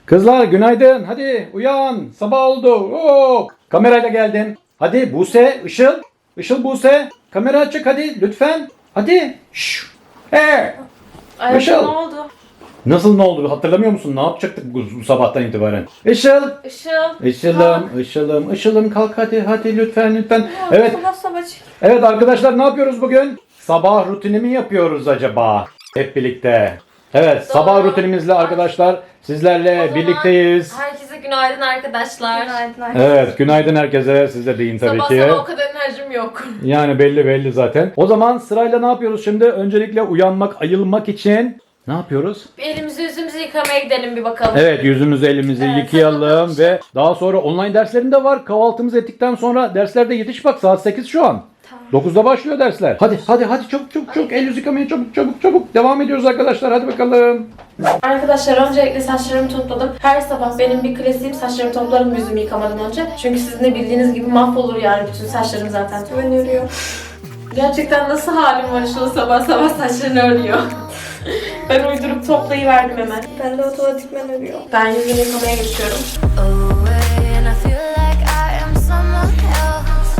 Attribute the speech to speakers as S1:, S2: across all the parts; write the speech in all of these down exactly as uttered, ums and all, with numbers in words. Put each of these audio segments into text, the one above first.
S1: Kızlar günaydın. Hadi uyan. Sabah oldu. Oo. Kamerayla geldin. Hadi Buse, Işıl. Işıl, Buse. Kamera açık hadi lütfen. Hadi. Şşş. Hey.
S2: Ay,
S1: Işıl.
S2: ne oldu?
S1: Nasıl ne oldu? Hatırlamıyor musun? Ne yapacaktık bu, bu sabahtan itibaren? Işıl.
S2: Işıl.
S1: Işıl'ım, Işıl'ım, Işıl'ım kalk hadi hadi lütfen lütfen.
S2: Ya,
S1: Evet.
S2: Sabah sabah.
S1: Evet arkadaşlar ne yapıyoruz bugün? Sabah rutini mi yapıyoruz acaba? Hep birlikte. Evet
S2: Doğru.
S1: sabah rutinimizle arkadaşlar sizlerle
S2: O zaman
S1: birlikteyiz.
S2: Herkese günaydın arkadaşlar.
S3: Günaydın.
S1: Evet günaydın herkese, siz de deyin tabii
S2: Sabah
S1: ki.
S2: sabah o kadar enerjim yok.
S1: Yani belli belli zaten. O zaman sırayla ne yapıyoruz şimdi? Öncelikle uyanmak, ayılmak için ne yapıyoruz?
S2: Bir elimizi yüzümüzü yıkamaya gidelim bir bakalım.
S1: Evet yüzümüzü elimizi
S2: Evet,
S1: yıkayalım
S2: tamam.
S1: ve daha sonra online derslerim de var. Kahvaltımızı ettikten sonra derslerde yetiş bak, saat sekiz şu an.
S3: Tamam.
S1: dokuzda başlıyor dersler. Hadi hadi hadi çabuk çabuk çabuk el yüz yıkamaya çabuk çabuk çabuk. Devam ediyoruz arkadaşlar, hadi bakalım.
S2: Arkadaşlar öncelikle saçlarımı topladım. Her sabah benim bir klasiğim, saçlarımı toplarım yüzümü yıkamadan önce. Çünkü sizin de bildiğiniz gibi mahvolur yani bütün saçlarım zaten.
S3: Ben örüyor.
S2: Gerçekten nasıl halim var şu sabah sabah saçlarını örüyor. Ben uydurup toplayıverdim hemen.
S3: Ben de otomatikman örüyor.
S2: Ben yüzümü yıkamaya geçiyorum.
S4: Away and I feel like I am someone else.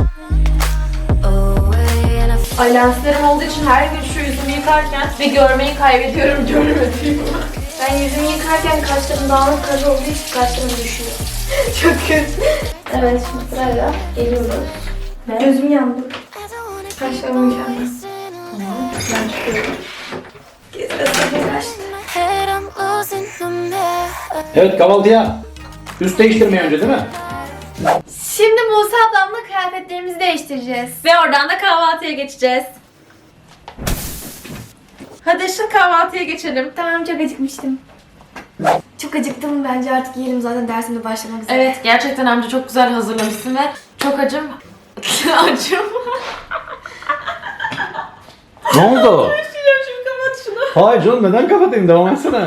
S4: Away and I feel
S2: Ay lenslerim olduğu için her gün şu yüzümü yıkarken bir görmeyi kaybediyorum, görmediğimi.
S3: Ben yüzümü yıkarken kaşlarım dağınık kaş olduğu için kaşlarım düşüyor. Çok kötü. Evet şimdi sırayla geliyoruz.
S2: Ne?
S3: Gözüm yandı.
S4: I don't wanna
S3: Kaşlarım mükemmel.
S2: Tamam, ben çıkıyorum.
S3: Gezmesine kaçtı.
S4: in my head, I'm losing the map.
S1: Evet kahvaltıya. Üst değiştirmeye önce değil mi?
S3: Şimdi Buse ablamla kıyafetlerimizi değiştireceğiz.
S2: Ve oradan da kahvaltıya geçeceğiz. Hadi Işıl kahvaltıya geçelim.
S3: Tamam çok acıkmıştım. Çok acıktım, bence artık yiyelim, zaten dersimde başlamak üzere.
S2: Evet gerçekten amca çok güzel hazırlamışsın ve çok acım. Acım.
S1: Ne oldu?
S2: Düşünüyorum şimdi kapat şunu.
S1: Hayır canım, neden kapatayım, devam etsene.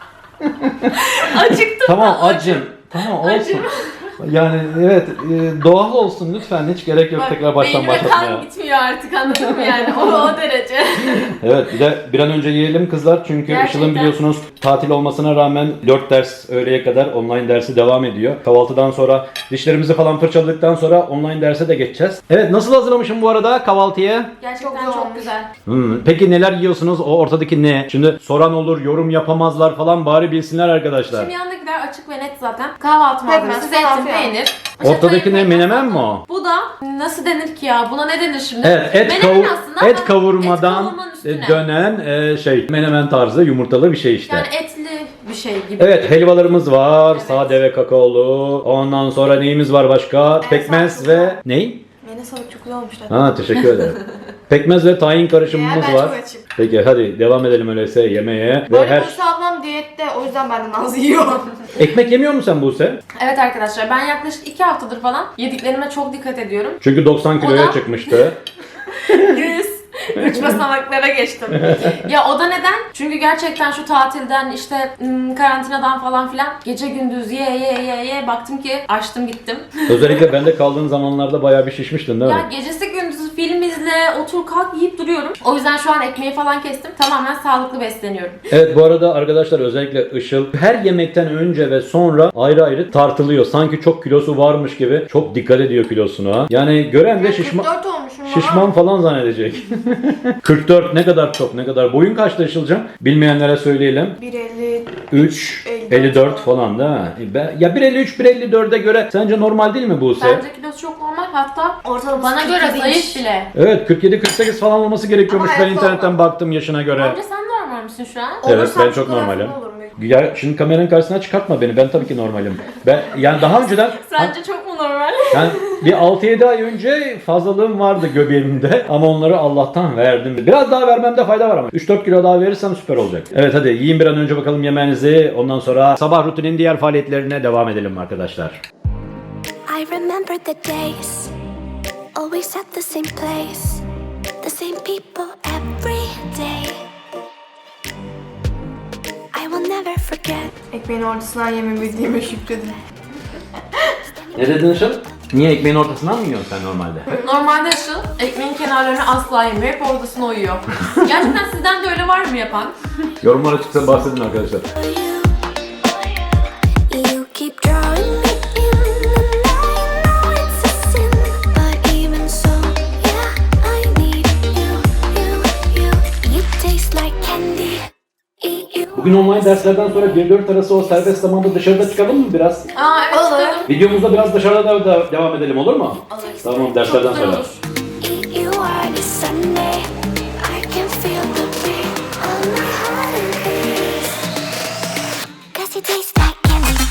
S2: Acıktım.
S1: Tamam
S2: ben,
S1: acım. Tamam olsun.
S2: Acım.
S1: Yani evet e, doğal olsun lütfen, hiç gerek yok
S2: Bak,
S1: tekrar baştan
S2: beynime
S1: başlatmaya.
S2: kan gitmiyor artık, anladın mı yani o, o derece.
S1: Evet bir de bir an önce yiyelim kızlar çünkü
S2: Gerçekten.
S1: Işıl'ın biliyorsunuz tatil olmasına rağmen dört ders öğleye kadar online dersi devam ediyor. Kahvaltıdan sonra dişlerimizi falan fırçaladıktan sonra online derse de geçeceğiz. Evet nasıl hazırlamışım bu arada kahvaltıya?
S2: Gerçekten
S3: Çok
S2: çok,
S3: güzel olmuş.
S2: güzel.
S1: Hmm, peki neler yiyorsunuz? O ortadaki ne? Şimdi soran olur, yorum yapamazlar falan, bari bilsinler arkadaşlar.
S2: Şimdi yanındakiler açık ve net zaten. Kahvaltı
S3: Pekmez,
S2: malzemesi,
S3: falan
S2: zeytin,
S3: filan.
S2: peynir.
S1: Ortadaki ne,
S2: Pekmez
S1: menemen mi
S2: falan.
S1: o?
S2: Bu da nasıl denir ki ya? Buna ne denir şimdi?
S1: Evet, et,
S2: Menemen
S1: kavu-
S2: aslında
S1: et
S2: ama
S1: kavurmadan
S2: et kavurmanın üstüne.
S1: dönen e, şey menemen tarzı yumurtalı bir şey işte.
S2: Yani etli bir şey gibi.
S1: Evet helvalarımız var,
S2: Evet.
S1: sade ve kakaolu. Ondan sonra neyimiz var başka? Pekmez
S3: sağlıklı.
S1: ve ney?
S3: Mene salık çok güzel olmuşlar.
S1: Ha teşekkür ederim. Pekmez ve tahin karışımımız
S3: Ya, ben
S1: var.
S3: çok açım.
S1: Peki hadi devam edelim öyleyse yemeğe. Ve
S3: Böyle
S1: her
S3: Buse ablam diyette, o yüzden benden az yiyor.
S1: ekmek yemiyor musun sen Buse?
S2: Evet arkadaşlar ben yaklaşık iki haftadır falan yediklerime çok dikkat ediyorum.
S1: Çünkü doksan kiloya
S2: O da-
S1: çıkmıştı.
S2: yüz üç basamaklara geçtim. Ya o da neden? Çünkü gerçekten şu tatilden işte ım, karantinadan falan filan gece gündüz ye ye ye ye baktım ki açtım gittim.
S1: Özellikle bende kaldığın zamanlarda bayağı bir şişmiştin değil mi?
S2: Ya gecesi gündüzü film izle, otur kalk yiyip duruyorum. O yüzden şu an ekmeği falan kestim. Tamamen sağlıklı besleniyorum.
S1: Evet bu arada arkadaşlar özellikle Işıl her yemekten önce ve sonra ayrı ayrı tartılıyor. Sanki çok kilosu varmış gibi çok dikkat ediyor kilosuna. ha. Yani gören de şişman,
S3: kırk dört olmuşum ama.
S1: şişman falan zannedecek. kırk dört ne kadar çok, ne kadar. Boyun kaçta Işıl'cığım? Bilmeyenlere söyleyelim.
S3: bir elli.
S1: üç
S3: elli dört
S1: elli dört falan da. Ben- Ya bir elli üç bir elli dörde göre sence normal değil mi Buse?
S2: Bence kilosu çok normal, hatta
S3: Ortalama
S2: bana göre zayıf bile.
S1: Evet kırk yedi kırk sekiz falan olması gerekiyormuş.
S3: Ama
S1: Ben
S3: evet,
S1: internetten
S3: normal.
S1: baktım yaşına göre.
S2: Bence sen normal misin şu an?
S1: Evet,
S3: Olursam
S1: ben çok
S3: fotoğrafım
S1: normalim.
S3: olur mu?
S1: Ya şimdi kameranın karşısına çıkartma beni. Ben tabii ki normalim. Ben yani daha önceden
S2: Sence çok mu normal?
S1: yani bir altı yedi ay önce fazlalığım vardı göbeğimde ama onları Allah'tan verdim. Biraz daha vermemde fayda var ama. üç dört kilo daha verirsem süper olacak. Evet hadi yiyin bir an önce bakalım yemeğinizi. Ondan sonra sabah rutinin diğer faaliyetlerine devam edelim arkadaşlar.
S4: I remember the days, always at the same place, the same people every day. I will never forget.
S3: Ekmeğin ortasından yemebildiğime şükredin.
S1: Ne dedin Işıl? Niye ekmeğin ortasından mı yiyorsun sen normalde?
S2: Normalde Işıl ekmeğin kenarlarını asla yemiyor, hep ortasına uyuyor. Gerçekten sizden de öyle var mı yapan?
S1: Yorumlara çıksa bahsedin arkadaşlar.
S4: You,
S1: Bugün online derslerden sonra bir dört arası o serbest zamanda dışarıda çıkalım mı biraz?
S2: Aa evet
S3: Olur.
S2: çıkalım.
S1: Videomuzda biraz dışarıda da devam edelim, olur mu?
S2: Olur.
S1: Tamam, derslerden
S2: Çok güzel
S1: sonra.
S2: olur.
S4: You are the Sunday. I can feel the rain on my heart and face. 'Cause you taste like candy.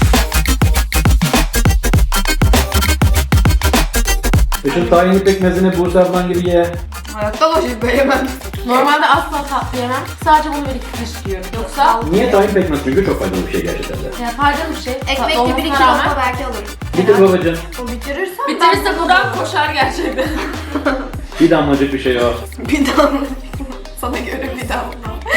S1: Işıl tahinli pekmezini Buse ablan gibi ye.
S3: Hayatta başlık yemem.
S2: Normalde asla tatlı yemem. Sadece bunu bir iki kaşık yiyorum. Yoksa
S1: Niye tahin pekmez? Çünkü çok faydalı bir şey gerçekten de.
S2: ya faydalı bir şey. Tatlı
S3: Ekmekle bir iki
S2: olmasına rağmen
S3: lokma belki alırım.
S1: Bitir babacığım.
S3: O bitirirsen
S2: bitirirse buradan koşar gerçekten.
S1: Bir damlacık bir şey o.
S3: bir daha mı? Sana göre bir daha mı?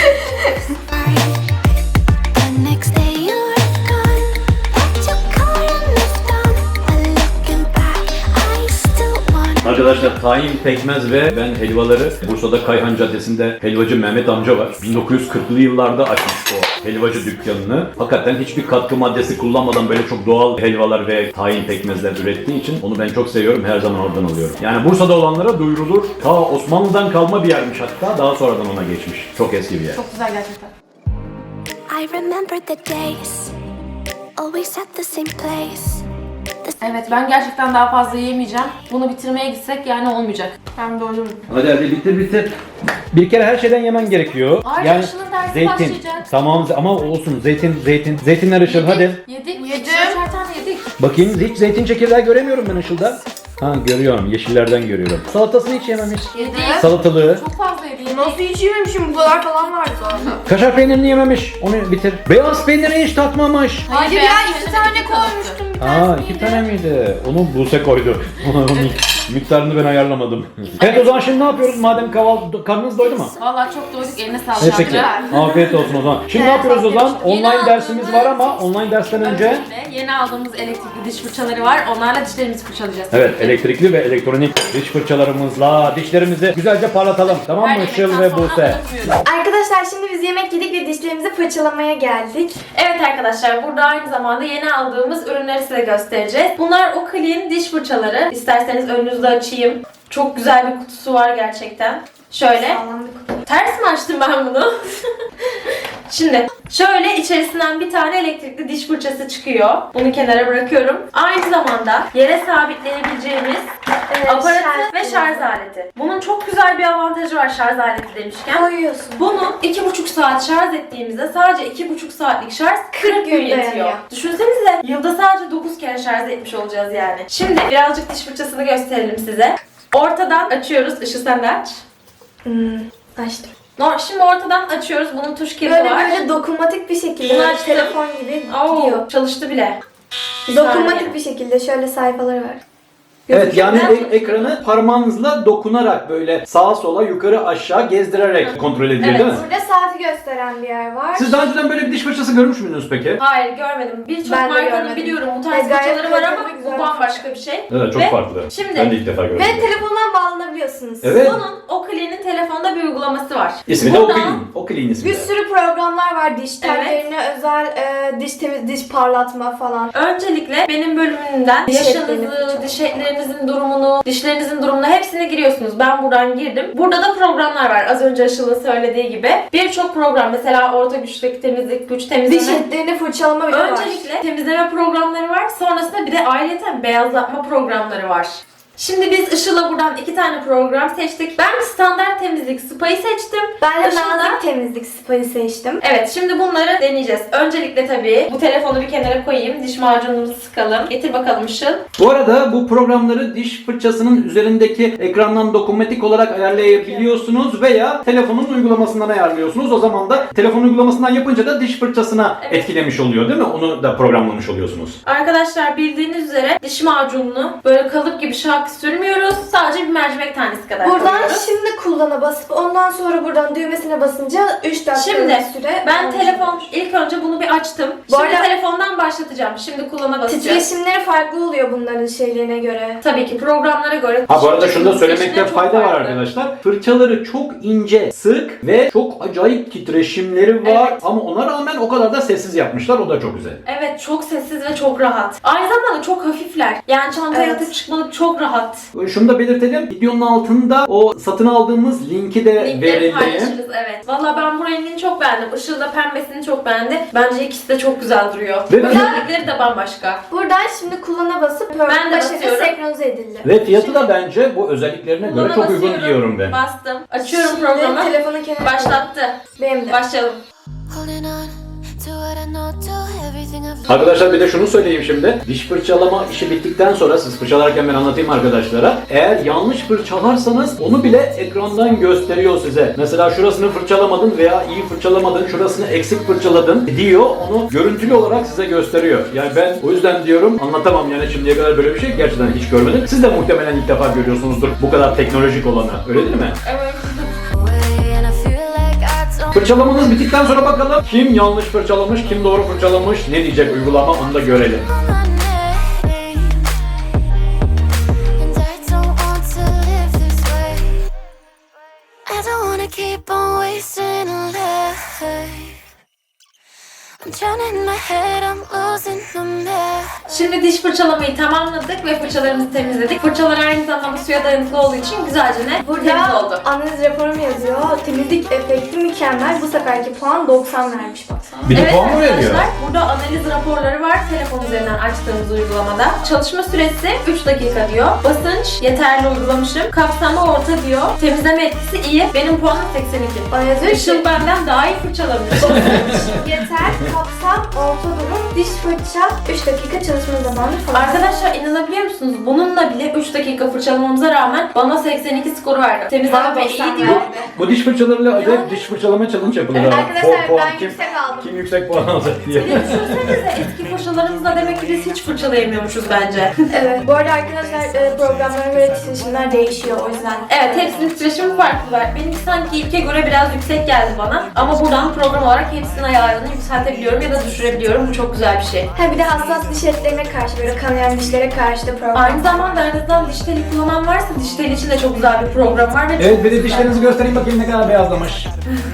S4: The next day you're gone. Left your car and moved on. But looking back, I still want.
S1: Arkadaşlar tahin, pekmez ve ben helvaları Bursa'da Kayhan Caddesi'nde helvacı Mehmet amca var. bin dokuz yüz kırklı yıllarda açmış o helvacı dükkanını. Hakikaten hiçbir katkı maddesi kullanmadan böyle çok doğal helvalar ve tahin pekmezler ürettiği için onu ben çok seviyorum. Her zaman oradan alıyorum. Yani Bursa'da olanlara duyurulur. Ta Osmanlı'dan kalma bir yermiş hatta. Daha sonradan ona geçmiş. Çok eski bir yer.
S2: Çok güzel gerçekten.
S4: I remember the days. Always at the same place. The
S2: Evet ben gerçekten daha fazla yiyemeyeceğim. Bunu bitirmeye gitsek yani olmayacak. Ben doydum.
S1: Hadi hadi bitir bitir. Bir kere her şeyden yemen gerekiyor.
S2: Ay, Işıl'ın dersi başlayacak.
S1: Tamam ama olsun zeytin zeytin. Zeytinler Işıl hadi.
S2: Yedik.
S3: Yedim.
S2: Üçer tane yedik.
S1: Bakayım hiç zeytin çekirdeği göremiyorum ben Işıl'da. Ha görüyorum, yeşillerden görüyorum. Salatasını hiç yememiş.
S2: Yedik.
S1: Salatalığı.
S2: Çok fazla yedik.
S3: Nasıl hiç yememişim, bu kadar falan vardı zaten.
S1: Kaşar peynirini yememiş. Onu bitir. Beyaz peyniri hiç tatmamış.
S3: Hayır ya,
S2: beyaz
S3: iki
S2: peyniri
S3: tane
S2: iki kalıptı.
S3: koymuştum. Bir
S1: Aa
S3: tanesini
S1: iki
S3: yedim.
S1: tane miydi? Onu Buse koydu. Onun mik- miktarını ben ayarlamadım. Evet o zaman şimdi ne yapıyoruz? Madem kahvaltı, karnınız doydu mu?
S2: Vallahi çok doyduk. Eline sağlık.
S1: Evet peki.
S2: Şahane.
S1: Afiyet olsun o zaman. Şimdi ne
S3: Evet,
S1: yapıyoruz o zaman?
S2: Yeni
S1: Online dersimiz
S2: aldığımız-
S1: var ama online dersten önce...
S2: Öncelikle yeni aldığımız elektrikli diş fırçaları var. Onlarla dişlerimizi fırçalayacağız.
S1: Evet elektrikli ve elektronik diş fırçalarımızla dişlerimizi güzelce parlatalım. Tamam
S2: Her
S1: mı Işıl
S2: yemekten
S1: ve
S2: sonra
S1: Buse?
S2: unutmuyoruz.
S3: Arkadaşlar şimdi biz yemek yedik ve dişlerimizi fırçalamaya geldik.
S2: Evet arkadaşlar burada aynı zamanda yeni aldığımız ürünleri size göstereceğiz. Bunlar Oakley'in diş fırçaları. İsterseniz önünüzde açayım. Çok güzel bir kutusu var gerçekten. Şöyle.
S3: Sağlam bir kutu.
S2: Ters mi açtım ben bunu? Şimdi şöyle içerisinden bir tane elektrikli diş fırçası çıkıyor. Bunu kenara bırakıyorum. Aynı zamanda yere sabitleyebileceğimiz
S3: Evet,
S2: aparatı
S3: şarj
S2: ve şarj aleti. Bunun çok güzel bir avantajı var şarj aleti demişken.
S3: Koyuyorsun.
S2: Bunu iki buçuk saat şarj ettiğimizde sadece iki buçuk saatlik şarj kırk gün
S3: gün
S2: yetiyor.
S3: dayanıyor.
S2: Düşünsenize yılda sadece dokuz kere şarj etmiş olacağız yani. Şimdi birazcık diş fırçasını gösterelim size. Ortadan açıyoruz. Işıl sen de aç.
S3: Hmm, açtım.
S2: No, şimdi ortadan açıyoruz. Bunun tuş kilidi
S3: Böyle
S2: var.
S3: böyle dokunmatik bir şekilde,
S2: Bunu
S3: böyle
S2: açtım.
S3: telefon gibi
S2: Oo,
S3: gidiyor.
S2: çalıştı bile. Bir
S3: Dokunmatik
S2: saniye.
S3: bir şekilde şöyle sayfaları var.
S1: Evet yani
S2: Gözüküyor.
S1: e- ekranı parmağınızla dokunarak böyle sağa sola yukarı aşağı gezdirerek kontrol ediliyor
S2: Evet.
S1: değil mi?
S3: Burada saati gösteren bir yer var.
S1: Siz daha önceden böyle bir diş fırçası görmüş müydünüz peki?
S2: Hayır görmedim. Birçok
S3: Ben de
S2: markanın
S3: görmedim.
S2: biliyorum bu tarz
S3: E, gayet
S2: fırçaları var ama
S3: kaliteli, güzel
S2: bu bambaşka bir şey.
S1: Evet çok
S2: Ve
S1: farklı.
S2: şimdi-
S1: Ben de ilk defa gördüm.
S3: Ve telefondan bağlanabiliyorsunuz.
S1: Evet.
S2: Bunun Oakley'nin telefonda bir uygulaması var.
S1: İsmi de
S2: Buradan-
S1: Oakley'in. Oakley'in ismi
S3: Bir
S1: de.
S3: sürü programlar var, diş tellerine özel e, diş temiz, diş parlatma falan.
S2: Öncelikle benim bölümünden
S3: Diş etlerini
S2: yaşınızı,
S3: fırçalama.
S2: diş etlerinizin durumunu, dişlerinizin durumunu hepsine giriyorsunuz. Ben buradan girdim. Burada da programlar var. Az önce Işıl'ın söylediği gibi. Birçok program mesela orta güçteki temizlik, güç temizleme.
S3: Diş etlerini fırçalama bile var.
S2: Öncelikle temizleme programları var. Sonrasında bir de ayrıca beyazlatma programları var. Şimdi biz Işıl'la buradan iki tane program seçtik. Ben standart temizlik spa'yı seçtim.
S3: Ben de
S2: Işıl'da-
S3: nazik temizlik spayı seçtim.
S2: Evet şimdi bunları deneyeceğiz. Öncelikle tabii bu telefonu bir kenara koyayım. Diş macunumuzu sıkalım. Getir bakalım Işıl.
S1: Bu arada bu programları diş fırçasının üzerindeki ekrandan dokunmatik olarak ayarlayabiliyorsunuz veya telefonun uygulamasından ayarlıyorsunuz. O zaman da telefon uygulamasından yapınca da diş fırçasına
S2: Evet.
S1: etkilemiş oluyor değil mi? Onu da programlamış oluyorsunuz.
S2: Arkadaşlar bildiğiniz üzere diş macununu böyle kalıp gibi şak sürmüyoruz. Sadece bir mercimek tanesi kadar
S3: Buradan
S2: koyuyoruz.
S3: şimdi kullana basıp ondan sonra buradan düğmesine basınca üç dakika
S2: Şimdi
S3: bir süre.
S2: ben
S3: olmuş
S2: telefon
S3: olur.
S2: ilk önce bunu bir açtım.
S3: Bu
S2: Şimdi
S3: arada-
S2: telefondan başlatacağım. Şimdi kullana basacağız.
S3: Titreşimleri farklı oluyor bunların şeylerine göre.
S2: Tabii ki programlara göre.
S1: Ha bu arada şunu da söylemekte
S2: Titreşimleri çok
S1: fayda var
S2: farklı.
S1: arkadaşlar. Fırçaları çok ince, sık ve çok acayip titreşimleri var
S2: Evet.
S1: ama ona rağmen o kadar da sessiz yapmışlar. O da çok güzel.
S2: Evet çok sessiz ve çok rahat. Aynı zamanda çok hafifler. Yani çantaya
S3: Evet.
S2: atıp çıkmalık çok rahat. rahat.
S1: Şunu da belirtelim. Videonun altında o satın aldığımız linki de
S2: Linkleri
S1: verildi.
S2: paylaşırız, evet. Valla ben bu rengini çok beğendim. Işıl da pembesini çok beğendi. Bence ikisi de çok güzel duruyor.
S1: Ve ben-
S2: Özellikleri de bambaşka.
S3: Buradan şimdi kullana basıp
S2: Ben
S3: Pearl
S2: de
S3: başlıkla
S2: basıyorum.
S3: senkronize edildi.
S1: Ve fiyatı da bence bu özelliklerine göre
S2: Buna
S1: çok uygun
S2: basıyorum,
S1: diyorum ben.
S2: Bastım. Açıyorum
S3: Şimdi
S2: programı.
S3: telefonun kenarına.
S2: Başlattı.
S3: Benim de.
S2: Başlayalım.
S4: Holding on to what I know, to everything I've
S1: Arkadaşlar bir de şunu söyleyeyim şimdi. Diş fırçalama işi bittikten sonra siz fırçalarken ben anlatayım arkadaşlara. Eğer yanlış fırçalarsanız onu bile ekrandan gösteriyor size. Mesela şurasını fırçalamadın veya iyi fırçalamadın, şurasını eksik fırçaladın diyor. Onu görüntülü olarak size gösteriyor. Yani ben o yüzden diyorum anlatamam yani şimdiye kadar böyle bir şey gerçekten hiç görmedim. Siz de muhtemelen ilk defa görüyorsunuzdur bu kadar teknolojik olanı. Öyle değil mi?
S2: Evet.
S4: away, and I feel like I don't.
S1: Fırçalamanız bittikten sonra bakalım kim yanlış fırçalamış, kim doğru fırçalamış, ne diyecek uygulama onu da görelim.
S4: On my name, and I don't want to live this way. I don't wanna keep on wasting a life. I'm drowning in my head, I'm losing the map.
S2: Şimdi diş fırçalamayı tamamladık ve fırçalarımızı temizledik. Fırçalar aynı zamanda suya dayanıklı olduğu için güzelce ne? Temiz oldu.
S3: Burada analiz raporum yazıyor. Temizlik efekti mükemmel. Bu seferki puan doksan vermiş baksana.
S1: Bir de
S2: Evet
S1: puan mı veriyor?
S2: arkadaşlar, burada analiz raporları var telefon üzerinden açtığımız uygulamada. Çalışma süresi üç dakika diyor. Basınç yeterli uygulamışım. Kapsama orta diyor. Temizleme etkisi iyi. Benim puanım seksen iki.
S3: Bana yazıyor ki
S2: Işıl benden daha iyi fırçalamış.
S3: yeter, kapsam, orta durum, diş fırça, üç dakika çalışma zamanı falan.
S2: Arkadaşlar inanabiliyor musunuz? Bununla bile üç dakika fırçalamamıza rağmen bana seksen iki skoru verdi. Temizleme
S3: Bana
S2: iyi
S3: doksan
S2: diyor.
S3: verdi.
S1: Bu diş fırçalarıyla acayip diş fırçalama challenge yapılır.
S2: Evet,
S1: abi.
S3: arkadaşlar,
S1: Puan- puan
S3: ben
S1: kim,
S3: yüksek aldım.
S1: Kim yüksek puan alacak diye.
S2: Bir de düşünsenize eski fırçalarımızla demek ki biz hiç fırçalayamıyormuşuz bence.
S3: Evet. Bu arada arkadaşlar e, programlara göre titreşimler değişiyor o yüzden.
S2: Evet hepsinin titreşimi farklı var. Benimki sanki ilke göre biraz yüksek geldi bana. Ama buradan program olarak hepsinin ayarını yükseltebiliyorum ya da düşürebiliyorum. Bu çok güzel bir şey.
S3: Ha bir de hassas diş etlerine karşı, böyle kanayan dişlere karşı da program.
S2: Aynı zamanda aranızdan diş teli kullanan varsa diş teli için de çok güzel bir program var ve çok
S1: Evet bir de
S2: güzel.
S1: dişlerinizi göstereyim bakayım ne kadar beyazlamış.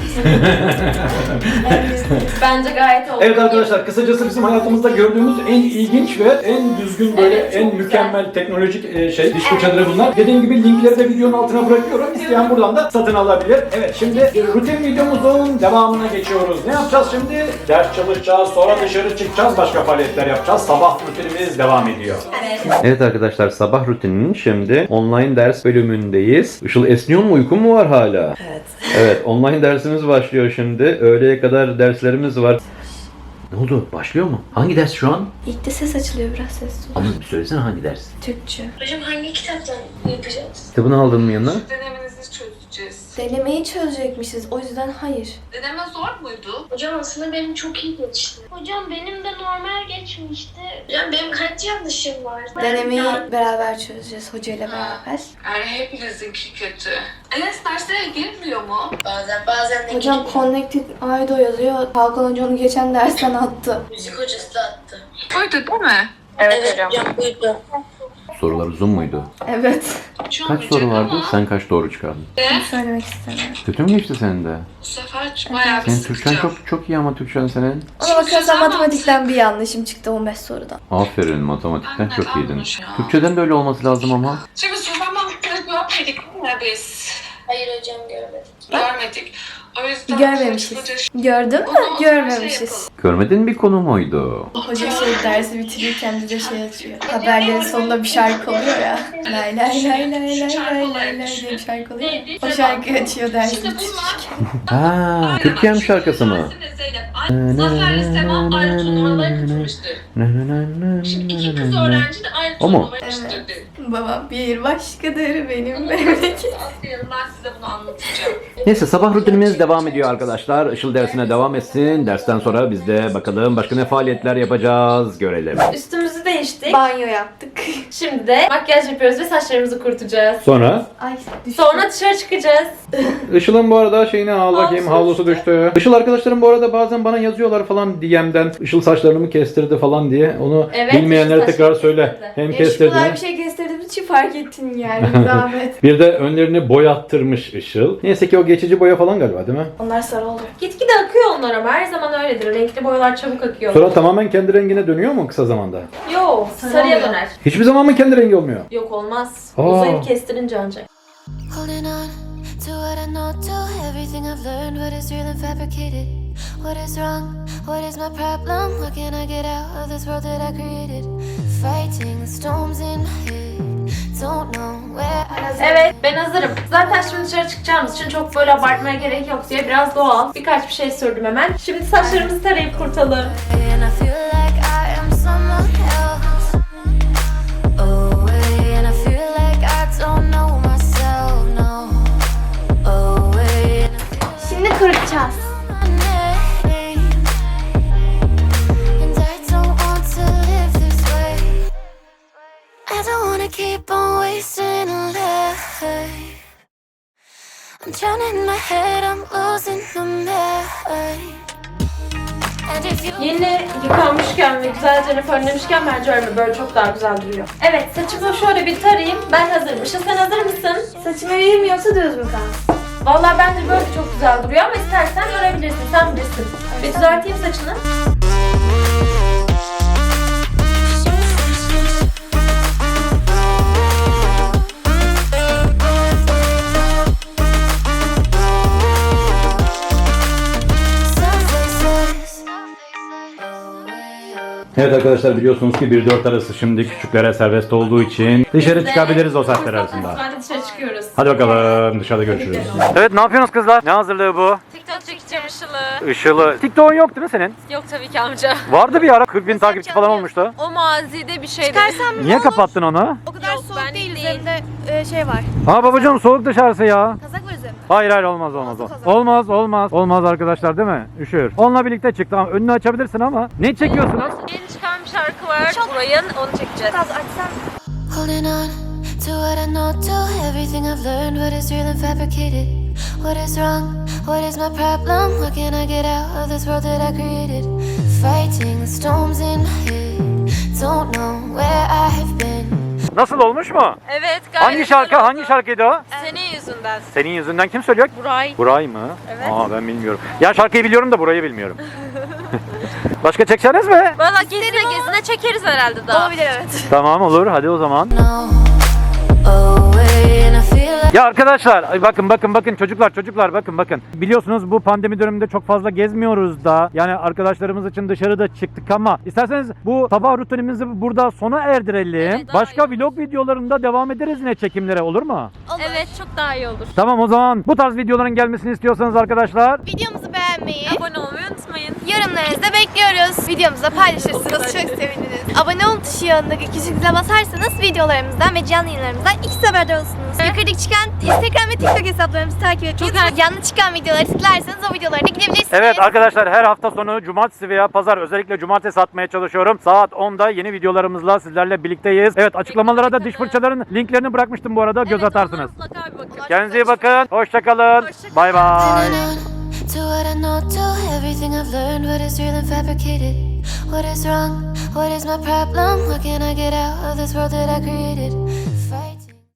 S2: Bence gayet oldu.
S1: Evet arkadaşlar kısacası bizim hayatımızda gördüğümüz en ilginç ve en düzgün böyle
S2: Evet, çok
S1: en
S2: güzel.
S1: mükemmel teknolojik e, şey diş fırçaları bunlar. Dediğim gibi linkleri de videonun altına bırakıyorum. İsteyen buradan da satın alabilir. Evet şimdi e, rutin videomuzun devamına geçiyoruz. Ne yapacağız şimdi? Ders çalışacağız, sonra dışarı çıkacağız, başka faaliyetler yapacağız. Sabah rutinimiz devam ediyor.
S2: Evet.
S1: Evet arkadaşlar sabah rutininin şimdi online ders bölümündeyiz. Işıl esniyor mu? Uykun mu var hala?
S2: Evet.
S1: Evet online dersimiz başlıyor şimdi. Öğleye kadar derslerimiz var. Ne oldu? Başlıyor mu? Hangi ders şu an?
S3: İlk de ses açılıyor, biraz sesli.
S1: Ama bir söylesene hangi ders?
S3: Türkçe.
S5: Hocam hangi kitaptan yapacağız?
S1: Kitabını aldın mı yanına?
S5: Denemenizi çözeceğiz.
S3: Denemeyi çözecekmişiz, o yüzden hayır.
S5: Deneme zor muydu? Hocam aslında benim çok iyi geçti. Hocam benim de normal geçmişti. Hocam benim kaç yanlışım var?
S3: Denemeyi
S5: Ben-
S3: beraber çözeceğiz, hocayla beraber.
S5: Yani hepinizinki kötü. Enes derslere girmiyor mu? Bazen bazen de
S3: Hocam Connected Aido yazıyor. Hakan Hoca onu geçen dersten attı.
S5: müzik hocası da attı. Buydu değil mi? Evet, hocam. buydu.
S1: Sorular uzun muydu?
S3: Evet.
S5: Şu
S1: Kaç soru vardı? Sen kaç doğru çıkardın?
S3: Bunu söylemek istemiyorum.
S1: Kötü mü geçti senin de?
S5: Bu sefer bayağı bir
S1: Senin Türkçen
S5: sıkacağım.
S1: çok çok iyi ama Türkçen senin.
S3: Ona bakarsan matematikten bir yanlışım çıktı on beş sorudan.
S1: Aferin matematikten
S5: Anne,
S1: çok iyiydin.
S5: kalmış ya.
S1: Türkçeden de öyle olması lazım ama.
S5: Şimdi soramadıkları görmedik mi biz? Hayır hocam görmedik. Görmedik. O yüzden
S3: Görmemişiz. Gördün mü?
S5: Onu-
S3: Görmemişiz.
S1: Görmedin bir konu muydu?
S3: Hoca şey dersi bitirirken bize şey açıyor. Haberlerin sonunda bir şarkı oluyor ya. Lay lay lay lay lay lay lay lay diye bir şarkı oluyor. O şarkıyı açıyor dersi
S5: İşte
S3: bitirirken.
S1: Ha, Türkiye'm şarkısı mı?
S5: Zafer'le Sema aynı turnuvaları katılmıştır. Şimdi iki kız öğrenci de aynı
S1: O mu?
S5: turnuvaya katılmıştır.
S3: Babam bir başkadır benim memleket.
S5: Aferin ben size bunu anlatacağım.
S1: Neyse sabah rutinimiz devam ediyor arkadaşlar. Işıl dersine devam etsin. Dersten sonra biz de bakalım başka ne faaliyetler yapacağız görelim.
S2: Üstümüzü değiştik.
S3: Banyo yaptık.
S2: Şimdi de makyaj yapıyoruz ve saçlarımızı kurutacağız.
S1: Sonra?
S3: Ay düştü.
S2: Sonra dışarı çıkacağız.
S1: Işıl'ın bu arada şeyini al bakayım
S2: Havlusu
S1: havlusu düştü. Işıl arkadaşlarım bu arada bazen bana yazıyorlar falan D M'den. Işıl saçlarımı kestirdi falan diye. Onu
S2: Evet,
S1: bilmeyenlere
S2: Işıl
S1: tekrar
S2: saçlarını
S1: söyle.
S2: kestirdi.
S1: Hem
S3: Değişik
S1: kestirdi.
S3: kolay bir şey kestirdiğimiz için fark ettin yani zahmet.
S1: Bir de önlerini boyattırmış Işıl. Neyse ki o geçici boya falan galiba değil mi?
S3: Onlar sarı oluyor.
S2: Gitgide akıyor onlar ama her zaman öyledir. Renkli boyalar çabuk akıyor.
S1: Sonra tamamen kendi rengine dönüyor mu kısa zamanda?
S2: Yok,
S3: Sarı
S2: sarıya
S3: oluyor.
S2: döner.
S1: Hiçbir zaman mı kendi rengi olmuyor?
S2: Yok olmaz.
S1: Aa.
S2: Uzayıp kestirince ancak.
S4: Holding on to what I know, to everything I've learned, what is real and fabricated. What is wrong? What is my problem? How can I get out of this world that I created? Fighting the storms in my head. Don't know where I
S2: Evet, ben hazırım. Zaten şimdi dışarı çıkacağımız için çok böyle abartmaya gerek yok diye biraz doğal birkaç bir şey sürdüm hemen. Şimdi saçlarımızı tarayıp kurtalım.
S4: and I feel like I am someone else. Away, and I feel like I don't know myself. No. Away, and I feel
S3: Şimdi kurutacağız.
S4: my name. And I don't want to live this way. I don't wanna keep on wasting a life. I'm drowning in my head, I'm losing the mind. And if you
S2: Yeni yıkanmışken ve güzelce fönlemişken bence öyle böyle çok daha güzel duruyor. Evet, saçımı şöyle bir tarayayım. Ben hazırım. Işıl sen hazır mısın?
S3: Saçımı vereyim mi yoksa düz mü kalsın?
S2: Vallahi bence böyle çok güzel duruyor ama istersen görebilirsin. Sen bilirsin. Bir düzelteyim saçını.
S1: Evet arkadaşlar biliyorsunuz ki bir dört arası şimdi küçüklere serbest olduğu için dışarı çıkabiliriz o saatler arasında.
S2: Hadi dışarı çıkıyoruz.
S1: Hadi bakalım dışarıda görüşürüz. Evet ne yapıyorsunuz kızlar? Ne hazırlığı bu?
S2: TikTok çekeceğim Işıl'ı.
S1: Işıl'ı. TikTok'un yok değil mi senin?
S2: Yok tabii ki amca.
S1: Vardı bir ara kırk bin takipçi falan olmuştu.
S2: O mazide bir şeydi.
S1: Niye kapattın onu?
S3: O kadar
S2: Yok,
S3: soğuk
S2: ben
S3: değil.
S2: değil.
S3: Üzerinde e, şey var.
S1: Ha babacığım soğuk dışarısı ya.
S3: Kazak var üzerinde.
S1: Hayır hayır olmaz olmaz. Olmaz olmaz. Olmaz arkadaşlar değil mi? Üşür. Onunla birlikte çık. Tamam önünü açabilirsin ama. Ne çekiyorsunuz?
S2: Yeni çıkan bir şarkı var. Burayın onu çekeceğiz.
S3: Kaz açsam.
S4: holding on to what I know, to everything I've learned, what is real and fabricated. What is wrong? What is my problem? How can I get out of this world that I created? Fighting the storms in my head. Don't know where I have been.
S1: Nasıl olmuş mu?
S2: Evet gayet
S1: Hangi şarkı?
S2: güzel oldu.
S1: Hangi şarkıydı o?
S2: Senin yüzünden.
S1: Senin yüzünden kim söylüyor?
S2: Buray.
S1: Buray mı?
S2: Evet.
S1: Aa ben bilmiyorum. Ya şarkıyı biliyorum da Buray'ı bilmiyorum. Başka çekeceğiniz mi?
S2: Valla gezine gezine çekeriz herhalde daha.
S3: Olabilir evet.
S1: Tamam olur hadi o zaman.
S4: No. Away, and I feel like
S1: Ya arkadaşlar ay bakın bakın bakın çocuklar çocuklar bakın bakın. Biliyorsunuz bu pandemi döneminde çok fazla gezmiyoruz da. Yani arkadaşlarımız için dışarıda çıktık ama isterseniz bu sabah rutinimizi burada sona erdirelim.
S2: Evet, daha
S1: Başka
S2: iyi.
S1: vlog videolarında devam ederiz yine çekimlere olur mu?
S2: Evet çok daha iyi olur.
S1: Tamam o zaman bu tarz videoların gelmesini istiyorsanız arkadaşlar
S3: Videomuzu beğenmeyi,
S2: Abone olmayı unutmayın.
S3: yorumlarınızı da bekliyoruz. Videomuzu da paylaşırsanız çok seviniriz. Abone ol tuşu yanındaki küçük zile basarsanız videolarımızdan ve canlı yayınlarımızdan ikisi haberdar olursunuz. Yukarıdaki çıkan Instagram ve TikTok hesaplarımızı takip etmeyi unutmayın. Yanlı çıkan videoları tıklarsanız o videolara da gidebilirsiniz.
S1: Evet arkadaşlar her hafta sonu cumartesi veya pazar özellikle cumartesi atmaya çalışıyorum. Saat onda yeni videolarımızla sizlerle birlikteyiz. Evet açıklamalara da diş fırçaların linklerini bırakmıştım bu arada göz atarsınız.
S2: Mutlaka bir bakın.
S1: Kendinize iyi bakın. Hoşçakalın. Bay bay.
S4: holding on to what I know, to everything I've learned, what is real and fabricated. What is wrong? What is my problem? How can I get out of this world that I created?